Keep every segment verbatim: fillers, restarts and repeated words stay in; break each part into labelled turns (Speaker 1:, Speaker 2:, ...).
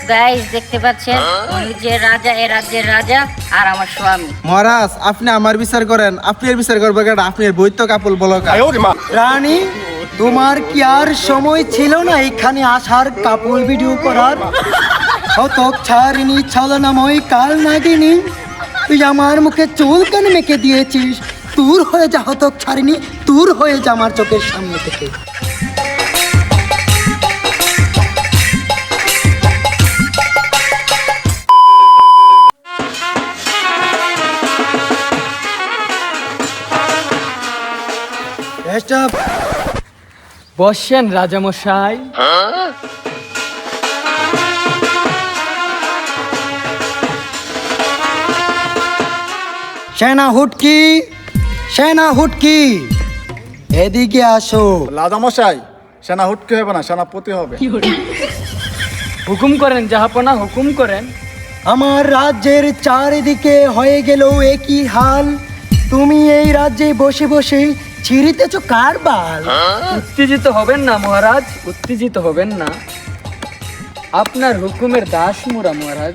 Speaker 1: Guys দেখতে পাচ্ছেন উনি যে রাজা, এ রাজ্যের রাজা আর আমার স্বামী।
Speaker 2: মহারাজ আপনি আমার বিচার করেন, আপনি এর বিচার করবেন কেন? আপনি এর বৈত্য কাপল বলক।
Speaker 3: রানী, তোমার কি আর সময় ছিল না এখানে আসার, কাপল ভিডিও করার? হতক ছাড়িনি ছলনাময় কাল নাগিনী, তুই আমার মুখে চুল কেন মেখে দিয়েছিস? দূর হয়ে যা হতক ছাড়িনি, দূর হয়ে যা আমার চোখের সামনে থেকে।
Speaker 4: বসেন রাজামশাই।
Speaker 3: সেনা হুটকি, সেনা হুটকি, এদিকে আসো।
Speaker 5: রাজামশাই, সেনা হুটকে হবে না, সেনাপতি হবে।
Speaker 4: হুকুম করেন জাহাপনা, হুকুম করেন।
Speaker 3: আমার রাজ্যের চারিদিকে হয়ে গেল একই হাল, তুমি এই রাজ্যে বসে বসে ছিঁড়িতেছ কার বাল?
Speaker 4: উত্তেজিত হবেন না মহারাজ, উত্তেজিত হবেন না। আপনার হুকুমের দাস মোরা মহারাজ।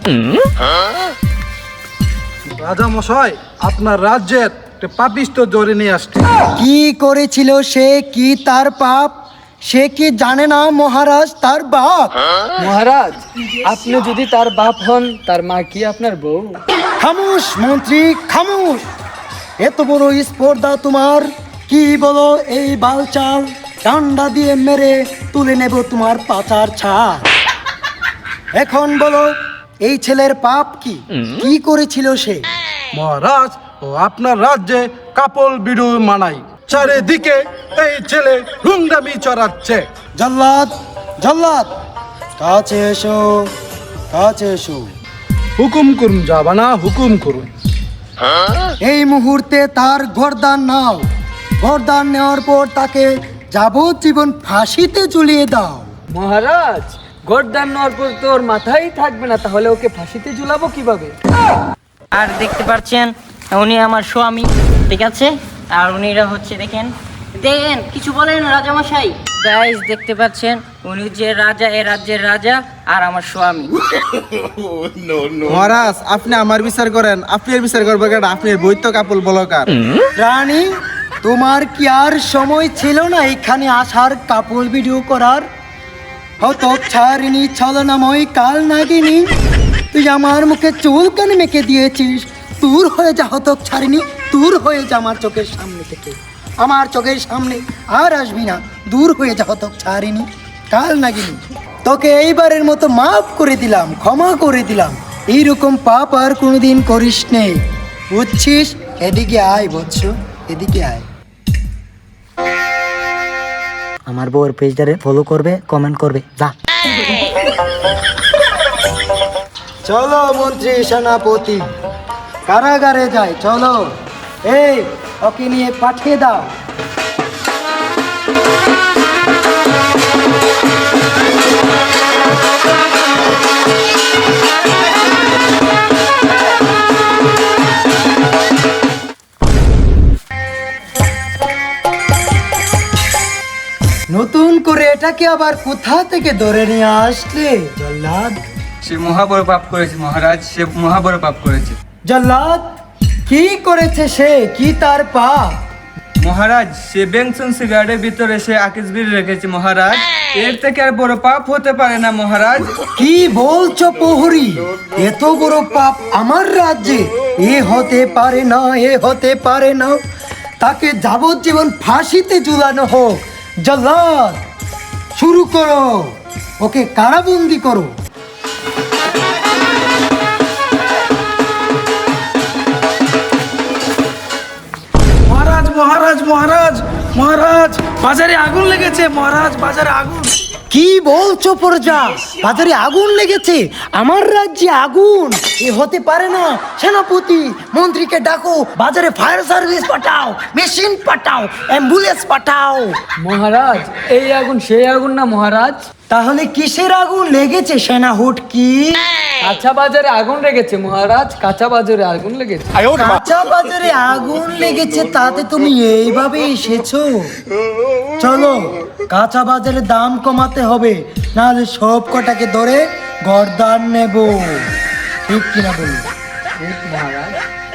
Speaker 2: রাজা মশাই, আপনার রাজ্যের একটা পাপিষ্ট জোরে নিয়ে আসছে।
Speaker 3: কি করেছিল সে? কি তার পাপ? সে কি জানে না মহারাজ তার বাপ?
Speaker 4: মহারাজ, আপনি যদি তার বাপ হন, তার মা কি আপনার বউ?
Speaker 3: খামোশ মন্ত্রী, খামোশ! এত বড় স্পর্ধা তোমার! কি বলো এই বালচাল? ডান্ডা দিয়ে মেরে তুলে নেব তোমার পাচার ছাড়। এখন বলো এই ছেলের পাপ কি? কি করেছিল সে?
Speaker 2: মহারাজ, ও আপনার রাজ্যে কাপল ভিডিও মানাই, চারিদিকে এই ছেলে রুংদামি চড়াচ্ছে।
Speaker 3: জল্লাদ, জল্লাদ, কাছে এসো, কাছে এসো।
Speaker 2: হুকুম করুন জাবানা, হুকুম করুন।
Speaker 3: এই মুহূর্তে তার গর্দান নাও। গর্দান নেওয়ার পর তাকে যাবজ্জীবন ফাঁসিতে ঝুলিয়ে দাও।
Speaker 4: মহারাজ, গর্দান নেওয়ার পর তোর মাথাই থাকবে না, তাহলে ওকে ফাঁসিতে ঝুলাবো কিভাবে?
Speaker 1: আর দেখতে পাচ্ছেন উনি আমার স্বামী, ঠিক আছে? আর উনিরা হচ্ছে, দেখেন দেখেন কিছু বলেন রাজামশাই। গাইস দেখতে পাচ্ছেন উনি যে রাজা, এ রাজ্যের রাজা আর আমার স্বামী।
Speaker 2: মহারাজ আপনি আমার বিচার করেন, আপনি এর বিচার করবেন কেন? আপনি এর বৈত্য কাপল বলকার।
Speaker 3: রানী, তোমার কি আর সময় ছিল না এখানে আসার, কাপল ভিডিও করার? হতক ছাড়িনি ছলনাময় কাল নাগিনী, তুই আমার মুখে চুল কেন মেখে দিয়েছিস? দূর হয়ে যা হতক ছাড়িনি, দূর হয়ে যা আমার চোখের সামনে থেকে। আমার চোখের সামনে আর আসবি না, দূর হয়ে যা হতক ছাড়িনি কাল নাগিনী। তোকে এইবারের মতো মাফ করে দিলাম, ক্ষমা করে দিলাম। এইরকম পাপ আর কোনোদিন করিস নে, বুঝছিস? এদিকে আয় বৎস, এদিকে আয়। আমার বউয়ের পেজটারে ফলো করবে, কমেন্ট করবে, যা। চলো মন্ত্রী সেনাপতি, কারাগারে যাই, চলো। এই ওকে নিয়ে পাঠিয়ে দাও। নতুন করে এটাকে আবার কোথা থেকে ধরে নিয়ে আসলে জল্লাদ?
Speaker 6: সে মহাবড় পাপ করেছে মহারাজ, সে মহাবড় পাপ করেছে।
Speaker 3: জল্লাদ, কি করেছে সে? কি তার পাপ?
Speaker 6: মহারাজ, সে বেনসন সিগারেটের ভিতরে সে আকিস বিড়ি রেখেছে মহারাজ। এর থেকে আর বড় পাপ হতে পারে না মহারাজ।
Speaker 3: কি বলছো প্রহরী? এত বড় পাপ আমার রাজ্যে? এ হতে পারে না, এ হতে পারে না। তাকে যাবজ্জীবন ফাঁসিতে ঝুলানো হোক। জল্লাদ, শুরু করো, ওকে কারাবন্দি করো।
Speaker 7: মহারাজ, মহারাজ, মহারাজ, মহারাজ, বাজারে আগুন লেগেছে মহারাজ, বাজারে আগুন।
Speaker 3: কি বলছো প্রজা? বাজারে আগুন লেগেছে? আমার রাজ্যে আগুন? এ হতে পারে না। সেনাপতি, মন্ত্রীকে ডাকো, বাজারে ফায়ার সার্ভিস পাঠাও, মেশিন পাঠাও, অ্যাম্বুলেন্স পাঠাও।
Speaker 4: মহারাজ, এই আগুন সেই আগুন না মহারাজ।
Speaker 3: তাহলে কিসের আগুন লেগেছে সেনা হুটকি?
Speaker 4: কাঁচা বাজারে আগুন লেগেছে মহারাজ, কাঁচা বাজারে আগুন লেগেছে।
Speaker 3: কাঁচা বাজারে আগুন লেগেছে, তাতে তুমি এইভাবে এসেছো? চলো, কাঁচা বাজারে দাম কমাতে হবে, নাহলে সব কটাকে ধরে গর্দান নেব। ঠিক কিনা বলুন?
Speaker 4: ঠিক মহারাজ।